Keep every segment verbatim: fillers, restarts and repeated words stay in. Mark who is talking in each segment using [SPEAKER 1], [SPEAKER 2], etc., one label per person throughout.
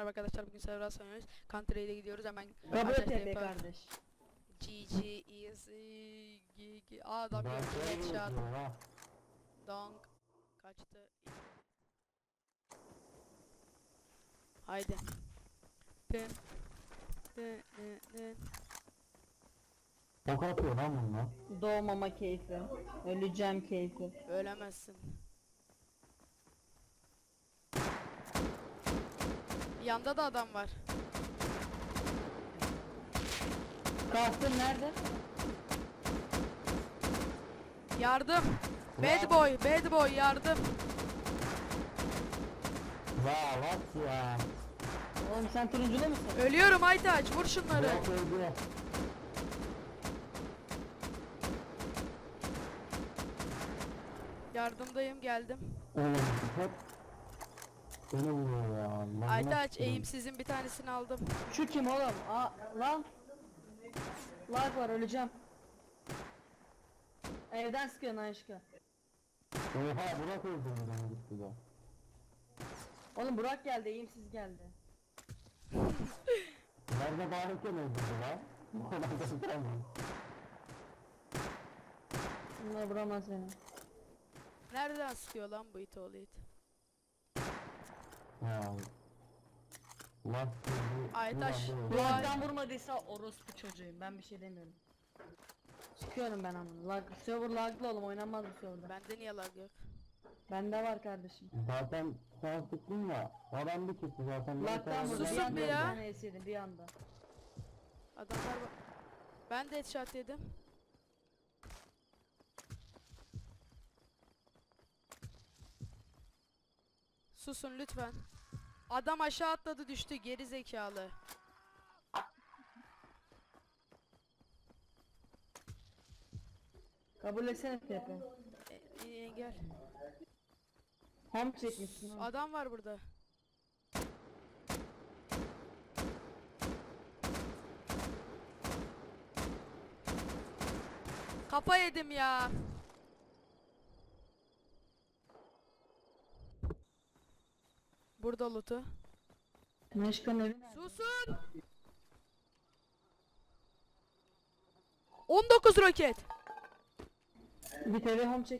[SPEAKER 1] merhaba arkadaşlar, bugün server sanıyoruz. Country'de gidiyoruz hemen.
[SPEAKER 2] Kabul et
[SPEAKER 1] Ateş
[SPEAKER 2] be
[SPEAKER 1] yapalım.
[SPEAKER 2] kardeş.
[SPEAKER 1] G G Easy G G. Aa, adam
[SPEAKER 3] Ben
[SPEAKER 1] gördü,
[SPEAKER 3] şöyle
[SPEAKER 1] headshot.
[SPEAKER 3] yapıyorum ha.
[SPEAKER 1] Donk. Kaçtı. Haydi. Tın. Tın tın tın.
[SPEAKER 3] Ok atıyor lan bunlar.
[SPEAKER 2] Doğmama keyfi. Öleceğim keyfi.
[SPEAKER 1] Ölemezsin. Yanda da adam var.
[SPEAKER 2] Kalktın nerede?
[SPEAKER 1] Yardım. Bad boy, bad boy yardım.
[SPEAKER 3] Ya bak ya.
[SPEAKER 2] Oğlum sen turunculu musun?
[SPEAKER 1] Ölüyorum Aytaç, vur şunları.
[SPEAKER 3] Yok öldü.
[SPEAKER 1] Yardımdayım, geldim.
[SPEAKER 3] Oğlum hep beni vuruyor ya. Lan
[SPEAKER 1] Aytaç,
[SPEAKER 3] nasıl-
[SPEAKER 1] eğimsizin bir tanesini aldım.
[SPEAKER 2] Şu kim oğlum? Aa lan. Lag var öleceğim. Evden sıkıyorsun aşkı.
[SPEAKER 3] Oha Burak öldürdü beni gitti de.
[SPEAKER 2] Oğlum Burak geldi, eğimsiz geldi.
[SPEAKER 3] Nerede bağırırken öldürdü lan? Bu kadar da sıkıramıyor.
[SPEAKER 2] Bunlar vuramaz beni.
[SPEAKER 1] Nereden sıkıyor lan bu it oğlu it?
[SPEAKER 3] Ya. Lan bu-
[SPEAKER 1] Aytaş,
[SPEAKER 3] bu- bu-
[SPEAKER 2] Burak'tan vurmadıysa orospu çocuğuyum, ben bir şey demiyorum. Çıkıyorum ben ama. Lag, server laglı oğlum, oynanmaz bu serverda.
[SPEAKER 1] bende niye lag yok?
[SPEAKER 2] Bende var kardeşim.
[SPEAKER 3] Zaten sen sıktın ya. Adam bir çıktı zaten. Ben
[SPEAKER 2] Lag'dan
[SPEAKER 3] sana-
[SPEAKER 2] vurdu, bir
[SPEAKER 1] Susun
[SPEAKER 2] anda
[SPEAKER 1] bir
[SPEAKER 2] bir
[SPEAKER 1] ya.
[SPEAKER 2] tane esiydim bir anda.
[SPEAKER 1] Adamlar bak. Ben de headshot yedim. Susun lütfen. Adam aşağı atladı, düştü, geri zekalı.
[SPEAKER 2] Kabul etsene Pepe.
[SPEAKER 1] E, engel.
[SPEAKER 2] Home çekmişsin ha.
[SPEAKER 1] Adam var burada. Kafa yedim ya. Burada loot'u.
[SPEAKER 2] Meşkan evi nerede?
[SPEAKER 1] Susun. on dokuz roket.
[SPEAKER 2] Bir T V home çek.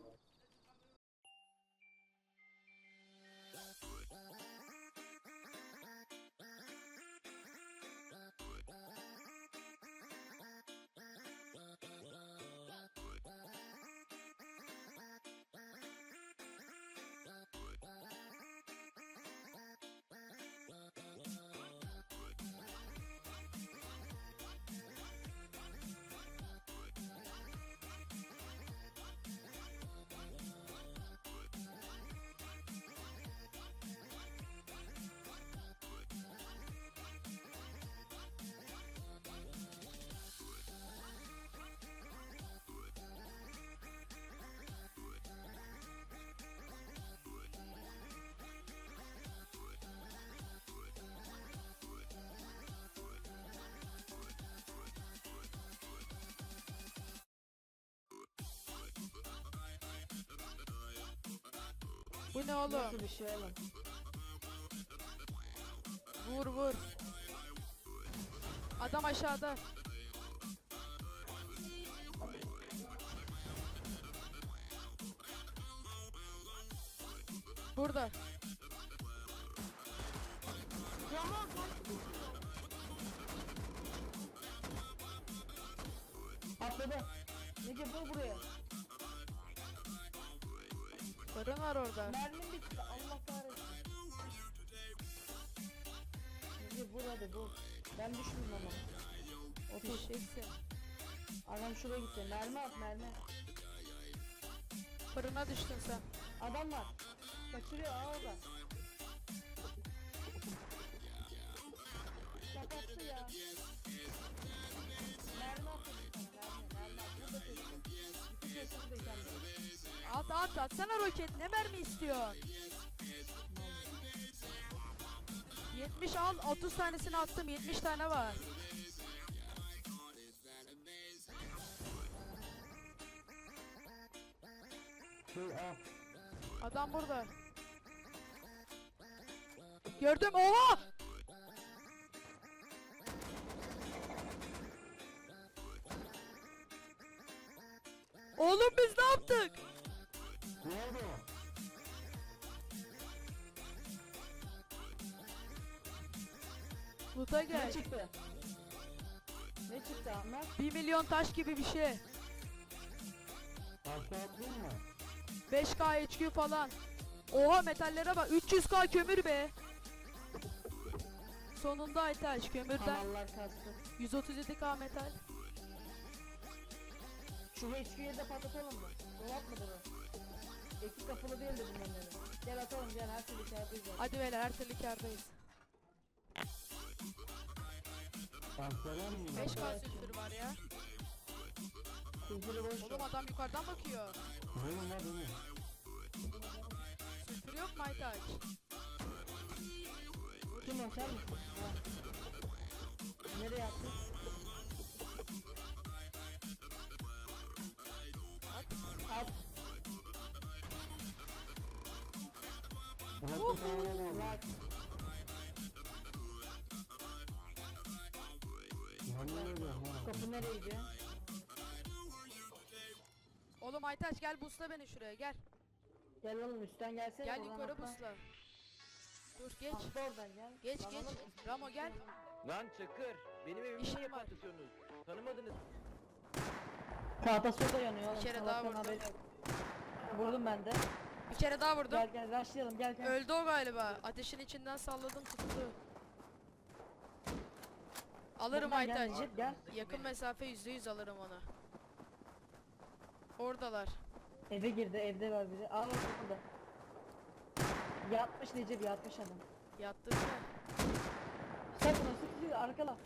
[SPEAKER 1] Bu ne oğlum?
[SPEAKER 2] Nasıl bir şey oğlum?
[SPEAKER 1] Vur vur. Adam aşağıda. Burada.
[SPEAKER 2] Atladı. Nece vur buraya.
[SPEAKER 1] Fırın var orada.
[SPEAKER 2] Mermim bitti. Allah kahretsin. Nece vur hadi vur. Ben düşmeyeyim ama. Otur.
[SPEAKER 1] Fişeksin.
[SPEAKER 2] Adam şuraya gitti. Mermi at mermi.
[SPEAKER 1] Fırına düştün sen.
[SPEAKER 2] Adam var. Kaçırıyor aa orada. Kapattı ya. Mermi atın sana mermi. Mermi at. Burada kesin. İki kesin de kendine.
[SPEAKER 1] At at atsana roket, ne mermi istiyorsun? yetmiş al, otuz tanesini attım, yetmiş tane var.
[SPEAKER 3] Şey al.
[SPEAKER 1] Adam burada. Gördüm, oha! Oğlum biz ne yaptık?
[SPEAKER 3] Ne oldu?
[SPEAKER 1] Loot'a
[SPEAKER 2] Ne
[SPEAKER 1] gel.
[SPEAKER 2] çıktı? Ne çıktı Ahmet?
[SPEAKER 1] Bir milyon taş gibi bir şey.
[SPEAKER 3] Aşağı atlayayım mı?
[SPEAKER 1] beş K H Q falan. Oha metallere bak. üç yüz K kömür be. Sonunda Aytaç kömürden
[SPEAKER 2] Kanallar kastı.
[SPEAKER 1] yüz otuz yedi K metal.
[SPEAKER 2] Şu H Q'yu de patlatalım mı? Dolap mıdır o? İki kapılı değildi bunların evi. Gel atalım gel her türlü içerideyiz zaten.
[SPEAKER 1] Hadi beyler her türlü kârdayız.
[SPEAKER 3] Aşağıdan mı?
[SPEAKER 1] beş K sülfür var ya.
[SPEAKER 2] Kuzulu boş
[SPEAKER 1] Oğlum
[SPEAKER 2] ver.
[SPEAKER 1] adam yukarıdan bakıyor.
[SPEAKER 3] Benim var benim.
[SPEAKER 1] Sülfür yok mu Aytaç?
[SPEAKER 2] Kim o sen misin? Ha. Nereye attın? At. At.
[SPEAKER 3] Bırak bir tane var.
[SPEAKER 2] Bırak.
[SPEAKER 3] Yemin ediyorum ha.
[SPEAKER 2] Kapı nereye gidiyor?
[SPEAKER 1] Oğlum Aytaç gel busla beni şuraya gel.
[SPEAKER 2] Gel oğlum üstten gelsene.
[SPEAKER 1] Gel
[SPEAKER 2] oradan
[SPEAKER 1] yukarı
[SPEAKER 2] atla.
[SPEAKER 1] busla. Dur geç.
[SPEAKER 2] Atla oradan gel.
[SPEAKER 1] Geç
[SPEAKER 2] Lan
[SPEAKER 1] geç.
[SPEAKER 2] oğlum,
[SPEAKER 1] Ramo gel.
[SPEAKER 4] Lan Çakır, benim evimi
[SPEAKER 1] İşim
[SPEAKER 4] niye
[SPEAKER 1] var.
[SPEAKER 4] patlatıyorsunuz? Tanımadınız.
[SPEAKER 2] Tahta soda yanıyor oğlum.
[SPEAKER 1] Bir kere
[SPEAKER 2] salaktan
[SPEAKER 1] daha vurdum.
[SPEAKER 2] haberi yok. Vurdum ben de.
[SPEAKER 1] Bir kere daha vurdum.
[SPEAKER 2] Gel gel rushlayalım gel gel.
[SPEAKER 1] Öldü o galiba. Ateşin içinden salladım tuttu. Alırım
[SPEAKER 2] Buradan gel,
[SPEAKER 1] Aytaç.
[SPEAKER 2] Necip, gel.
[SPEAKER 1] Yakın mesafe yüzde yüz alırım onu. Oradalar.
[SPEAKER 2] Eve girdi evde var biri. Al bak burada. Yatmış Necip yatmış adam.
[SPEAKER 1] Yattın mı?
[SPEAKER 2] Sık bunu sık sık arkala.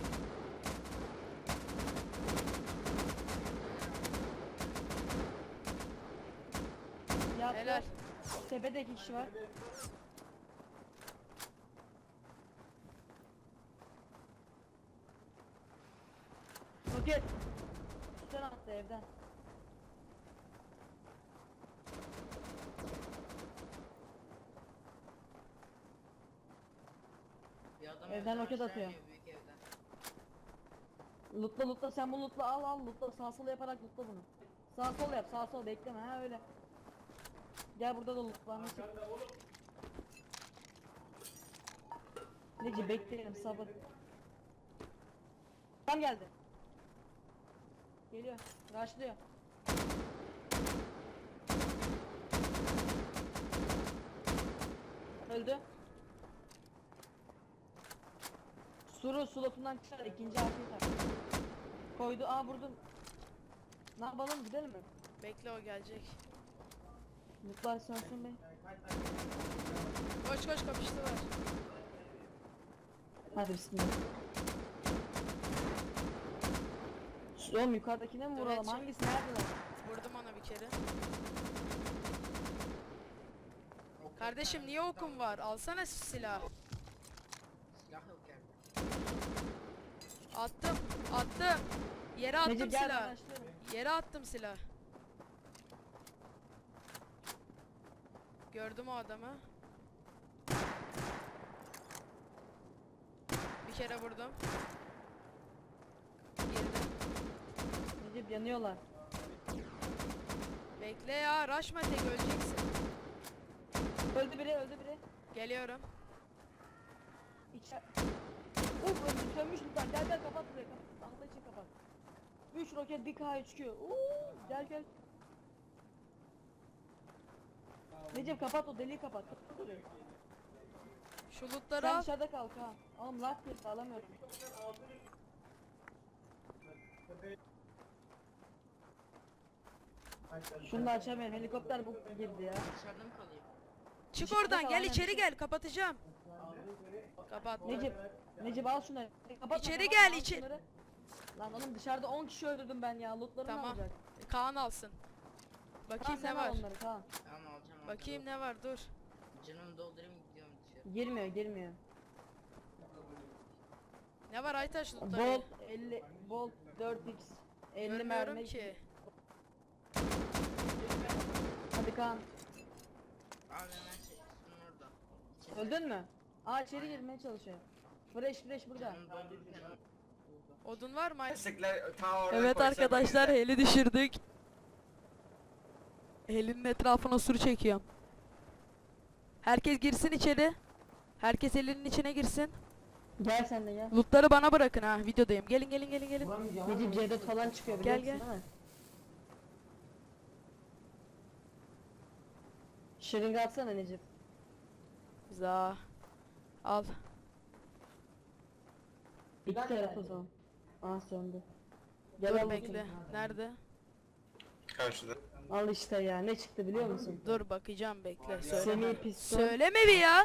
[SPEAKER 2] Yattı.
[SPEAKER 1] Helal.
[SPEAKER 2] Tepede iki kişi var. Roket. Üstten attı evden. Evden roket atıyor. Lootla lootla sen bu lootla al al lootla sağ sol yaparak lootla bunu. Sağ sol yap sağ sol bekleme ha öyle. Gel burada da lootla nasıl? Neci bekleyelim sabır. Tam geldi. Geliyor. Rushlıyor. Öldü. Suru slotundan çıkar ikinci arkayı tak. Koydu. Aa vurdum. Ne yapalım gidelim mi?
[SPEAKER 1] Bekle o gelecek.
[SPEAKER 2] Mutlar sönsün be.
[SPEAKER 1] Koş koş kapıştılar.
[SPEAKER 2] Hadi bismillah. Şu- Oğlum yukarıdakine mi vuralım?
[SPEAKER 1] Evet, şu-
[SPEAKER 2] Hangisi neredeler?
[SPEAKER 1] Vurdum ona bir kere. Kardeşim niye okum var? Alsana silah.
[SPEAKER 4] Silah yok yerde.
[SPEAKER 1] Attım. Attım. Yere attım
[SPEAKER 2] Necip gel ben
[SPEAKER 1] silah.
[SPEAKER 2] başlıyorum.
[SPEAKER 1] Yere attım silah. Gördüm o adamı. Bir kere vurdum. Girdim.
[SPEAKER 2] Necip yanıyorlar.
[SPEAKER 1] Bekle ya. Rushma tek öleceksin.
[SPEAKER 2] Öldü biri öldü biri.
[SPEAKER 1] Geliyorum.
[SPEAKER 2] İçer... Uf öldü sönmüş lütfen gel gel kapat burayı kapat. Allah için kapat. üç roket bir K üç Q. Uuu gel gel. Necip kapat o deliği kapat. Kapat orayı.
[SPEAKER 1] Şu lootları
[SPEAKER 2] Sen
[SPEAKER 1] al.
[SPEAKER 2] dışarıda kal ha. Oğlum lak girdi alamıyorum. Şunu da açamıyorum helikopter bu girdi ya.
[SPEAKER 4] Dışarıda mı kalayım?
[SPEAKER 1] Çık
[SPEAKER 2] Dışarıda
[SPEAKER 1] oradan
[SPEAKER 2] kal,
[SPEAKER 1] gel
[SPEAKER 2] aynen.
[SPEAKER 1] içeri gel. Kapatacağım. Kapattım.
[SPEAKER 2] Necip, Necip al şunları. Kapatma,
[SPEAKER 1] İçeri
[SPEAKER 2] kapatma,
[SPEAKER 1] gel,
[SPEAKER 2] al
[SPEAKER 1] içe-
[SPEAKER 2] şunları. Lan oğlum dışarıda on kişi öldürdüm ben ya. Lootlarını
[SPEAKER 1] Tamam.
[SPEAKER 2] alacak.
[SPEAKER 1] Kaan alsın.
[SPEAKER 2] Kaan
[SPEAKER 1] Bakayım
[SPEAKER 2] sen
[SPEAKER 1] ne
[SPEAKER 2] al
[SPEAKER 1] var.
[SPEAKER 2] onları Kaan.
[SPEAKER 4] Tamam alacağım.
[SPEAKER 1] Bakayım ne var dur.
[SPEAKER 4] Canımı doldurayım gidiyorum dışarı.
[SPEAKER 2] Girmiyor girmiyor.
[SPEAKER 1] Ne var Aytaş lootları?
[SPEAKER 2] Bolt elli, Bolt dört x. elli
[SPEAKER 1] Görmüyorum
[SPEAKER 2] mermi.
[SPEAKER 1] ki.
[SPEAKER 2] Hadi Kaan.
[SPEAKER 4] Abi hemen şey üstünün orada. İçeri-
[SPEAKER 2] Öldün mü? Aa içeri girmeye çalışıyor. Fresh fresh burada.
[SPEAKER 4] Canımı doldururken
[SPEAKER 1] Odun var mı? Ay-
[SPEAKER 5] Destekler ta orada
[SPEAKER 1] Evet
[SPEAKER 5] koysa
[SPEAKER 1] arkadaşlar
[SPEAKER 5] böyle.
[SPEAKER 1] heli düşürdük. Elinin etrafına sur çekiyorum. Herkes girsin içeri. Herkes elinin içine girsin.
[SPEAKER 2] Gel sen de gel.
[SPEAKER 1] Lootları bana bırakın ha. Videodayım. Gelin gelin gelin gelin.
[SPEAKER 2] Necip C dört falan çıkıyor
[SPEAKER 1] Gel,
[SPEAKER 2] biliyorsun
[SPEAKER 1] gel.
[SPEAKER 2] değil mi? Şırınga atsana Necip.
[SPEAKER 1] Za. Al.
[SPEAKER 2] İki taraf o zaman. Aa söndü. Gel
[SPEAKER 1] Dur
[SPEAKER 2] al
[SPEAKER 1] bekle.
[SPEAKER 2] bakayım.
[SPEAKER 1] Nerede?
[SPEAKER 5] Karşıda.
[SPEAKER 2] Al işte ya ne çıktı biliyor musun?
[SPEAKER 1] Dur bakacağım bekle.
[SPEAKER 2] Semi
[SPEAKER 1] Söyleme.
[SPEAKER 2] piston.
[SPEAKER 1] Söyleme bir ya.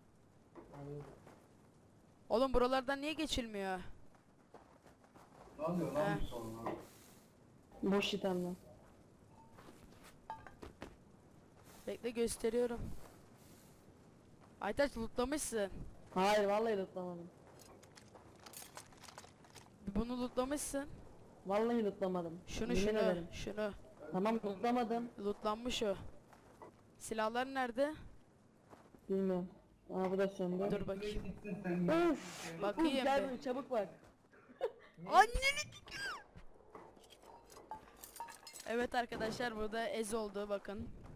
[SPEAKER 1] Oğlum buralardan niye geçilmiyor?
[SPEAKER 3] Ne oluyor
[SPEAKER 1] lan bu
[SPEAKER 3] sonra?
[SPEAKER 2] Boş itemler.
[SPEAKER 1] Bekle gösteriyorum. Aytaç lootlamışsın.
[SPEAKER 2] Hayır vallahi lootlamadım.
[SPEAKER 1] Bunu lootlamışsın.
[SPEAKER 2] Vallahi lootlamadım.
[SPEAKER 1] Şunu
[SPEAKER 2] Yemin
[SPEAKER 1] şunu
[SPEAKER 2] ederim.
[SPEAKER 1] şunu.
[SPEAKER 2] Tamam lootlamadım.
[SPEAKER 1] Lootlanmış o. Silahlar nerede?
[SPEAKER 2] Bilmiyorum. Aa bu da söndü.
[SPEAKER 1] Dur bakayım.
[SPEAKER 2] Üf.
[SPEAKER 1] Bakayım
[SPEAKER 2] Gel
[SPEAKER 1] bir.
[SPEAKER 2] buraya çabuk bak.
[SPEAKER 1] Anneni. Evet arkadaşlar burada ez oldu bakın.